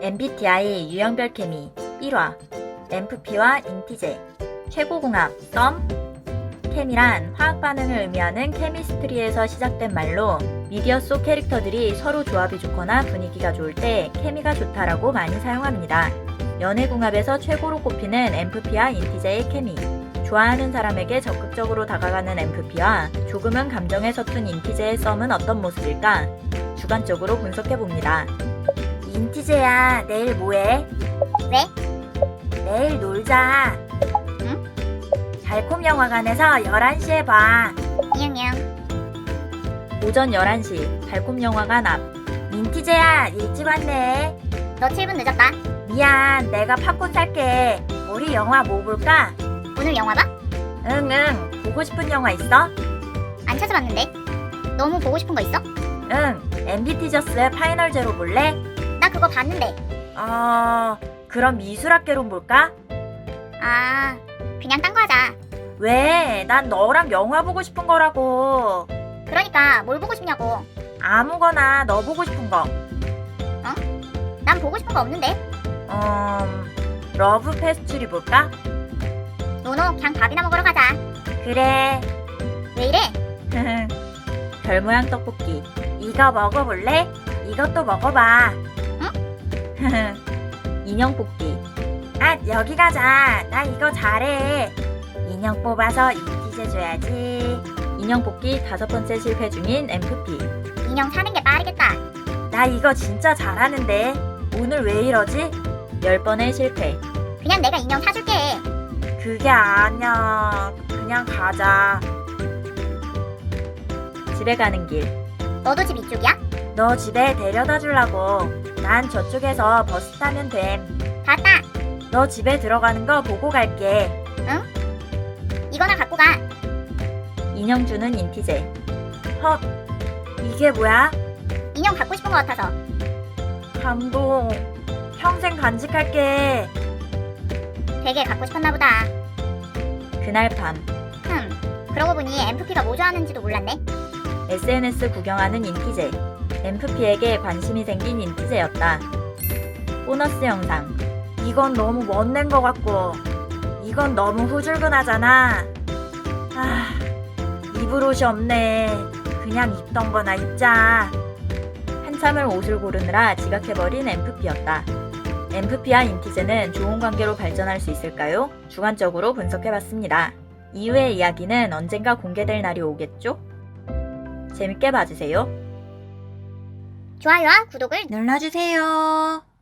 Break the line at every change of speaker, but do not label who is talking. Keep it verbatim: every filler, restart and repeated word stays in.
엠비티아이 유형별 케미 일 화 엠프피와 인티제 최고궁합 썸 케미란 화학 반응을 의미하는 케미스트리에서 시작된 말로 미디어 속 캐릭터들이 서로 조합이 좋거나 분위기가 좋을 때 케미가 좋다라고 많이 사용합니다. 연애궁합에서 최고로 꼽히는 엠프피와 인티제의 케미. 좋아하는 사람에게 적극적으로 다가가는 엠프피와 조금은 감정에 서툰 인티제의 썸은 어떤 모습일까? 주관적으로 분석해봅니다. 인티제야, 내일 뭐해?
왜?
내일 놀자.
응?
달콤 영화관에서 열한 시에 봐.
냥냥.
오전 열한 시 달콤 영화관 앞. 인티제야, 일찍 왔네.
너 칠 분 늦었다.
미안, 내가 팝콘 살게. 우리 영화 뭐 볼까?
오늘 영화 봐?
응, 응. 보고 싶은 영화 있어?
안 찾아봤는데. 너무 보고 싶은 거 있어?
응. 엠비티저스의 파이널 제로 볼래?
나 그거 봤는데.
어... 그럼 미술학개론 볼까?
아, 그냥 딴 거 하자.
왜? 난 너랑 영화 보고 싶은 거라고.
그러니까 뭘 보고 싶냐고.
아무거나 너 보고 싶은 거.
난 보고 싶은 거 없는데.
음... 러브 페스츄리 볼까?
노노, 그냥 밥이나 먹으러 가자.
그래.
왜 이래?
별 모양 떡볶이. 이거 먹어볼래? 이것도 먹어봐. 응? 인형 뽑기. 아, 여기 가자. 나 이거 잘해. 인형 뽑아서 인티제 줘야지. 인형 뽑기 다섯 번째 실패 중인 엠프피.
인형 사는 게 빠르겠다.
나 이거 진짜 잘하는데. 오늘 왜 이러지? 열 번의 실패.
그냥 내가 인형 사줄게.
그게 아니야. 그냥 가자. 집에 가는 길.
너도 집 이쪽이야?
너 집에 데려다 주려고. 난 저쪽에서 버스 타면 됨.
봤다.
너 집에 들어가는 거 보고 갈게.
이거나 갖고 가.
인형 주는 인티제. 헉, 이게 뭐야?
인형 갖고 싶은 거 같아서.
감동. 평생 간직할게.
되게 갖고 싶었나 보다.
그날 밤
흠, 그러고 보니 엠프피가 뭐 좋아하는지도 몰랐네.
에스엔에스 구경하는 인티제. 엠프피에게 관심이 생긴 인티제였다. 보너스 영상. 이건 너무 멋낸 것 같고 이건 너무 후줄근하잖아. 아, 입을 옷이 없네. 그냥 입던 거나 입자. 한참을 옷을 고르느라 지각해버린 엠프피였다. 엠프피와 인티제는 좋은 관계로 발전할 수 있을까요? 주관적으로 분석해봤습니다. 이후의 이야기는 언젠가 공개될 날이 오겠죠? 재밌게 봐주세요.
좋아요와 구독을
눌러주세요.